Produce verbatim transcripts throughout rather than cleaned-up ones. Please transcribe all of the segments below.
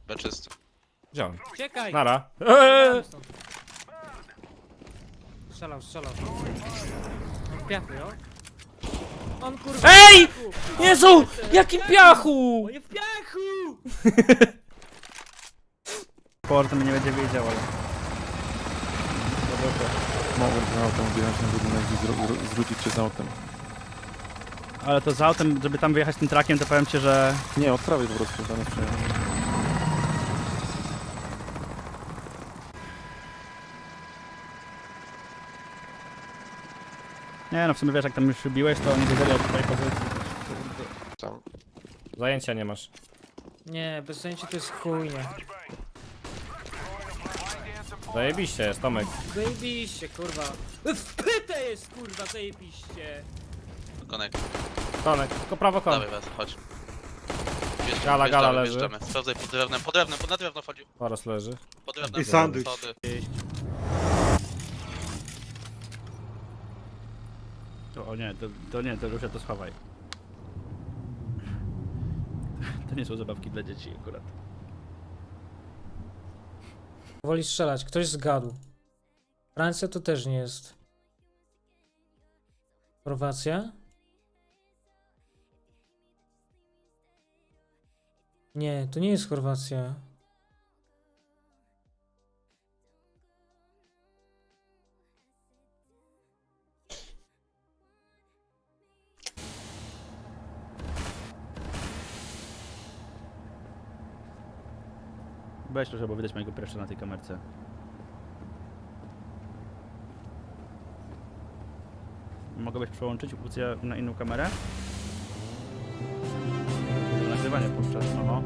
B czysty. Wziąłem. Uciekaj! Nara. Eee! Strzelał, strzelał. On piachy, jo? On kurwa... Ej! Jezu! Jakim piachu! On jest w piachu! Port mnie nie będzie wiedział, ale... Mogłem ten autem wjechać na budynek i zro- zro- zwrócić się z autem. Ale to z autem, żeby tam wyjechać tym trakiem, to powiem ci, że... Nie, od prawej po prostu, tam jest przejechane. Nie no, w sumie wiesz, jak tam już biłeś, to nie wiedzieli o twojej pozycji. Tam. Zajęcia nie masz. Nie, bez sensu to jest chujnie. Zajebiście jest, Tomek. Zajebiście, kurwa. Wpyte jest, kurwa, zajebiście. Konek. Tomek, tylko prawo kon. Dawaj, was, chodź. Wjeżdżamy, Gala, gala wjeżdżamy, leży. wjeżdżamy. Sprawdzaj pod drewnem, pod drewnem, pod na drewno wchodził. Zaraz leży. Pod drewnem. I sandwich. Schody. To, o nie, to, to nie, to już ja to schowaj. To nie są zabawki dla dzieci akurat. Woli strzelać, ktoś zgadł. Francja to też nie jest. Chorwacja? Nie, to nie jest Chorwacja. Weź trochę, bo widać mojego preszcza na tej kamerce. Mogłeś przełączyć opcję na inną kamerę? Nagrywanie podczas, oho.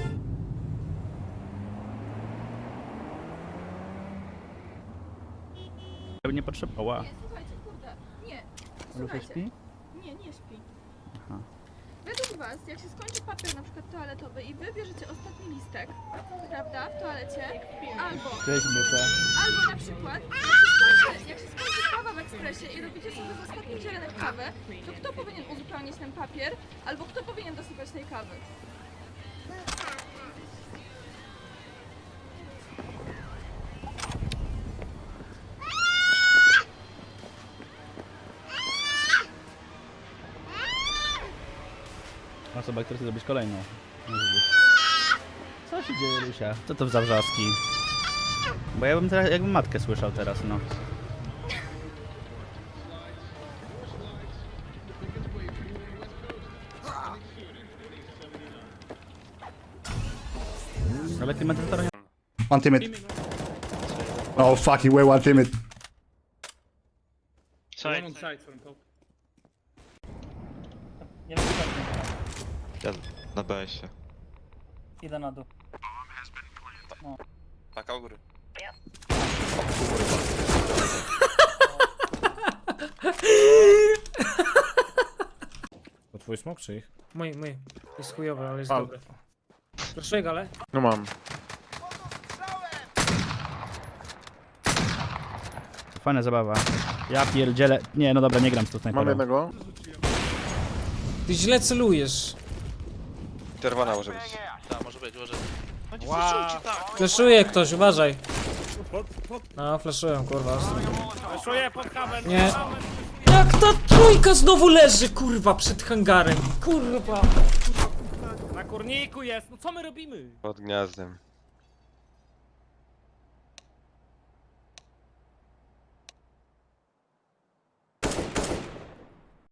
Ja bym nie potrzebował. Nie, słuchajcie, kurde, nie, Luka słuchajcie, śpi? nie, nie śpi. Aha. Według was, jak się skończy papier na przykład toaletowy i wy bierzecie ostatni listek, prawda, w toalecie, albo, Cześć, Mysza. albo na przykład, jak się skończy, jak się skończy kawa w ekspresie i robicie sobie w ostatnim zielenek kawę, to kto powinien uzupełnić ten papier, albo kto powinien dosypać tej kawy? Osoba, która chce zrobić kolejną. Co się dzieje, Lusia? Co to za wrzaski? Bo ja bym teraz, jakbym matkę słyszał teraz, no. Ale klimatyzatora nie... One teammate. Oh fuck, he way one teammate. Ja na B S-ie. Idę na dół. Paka u góry. To twój smok czy ich? Mój, mój. Jest chujowy, ale jest Pal. dobry. Proszę, gale. No mam. Fajna zabawa. Ja pierdzielę... Nie, no dobra, nie gram z tą Mam snajperą. jednego. Ty źle celujesz. Czerwona może być. Tak, może być, może być. No nie Wow. wow. tak. Fleszuje ktoś, uważaj. No, fleszują, kurwa. Czuję pod kabel. Nie. Jak ta trójka znowu leży, kurwa, przed hangarem. Kurwa. Na kurniku jest. No co my robimy? Pod gniazdem.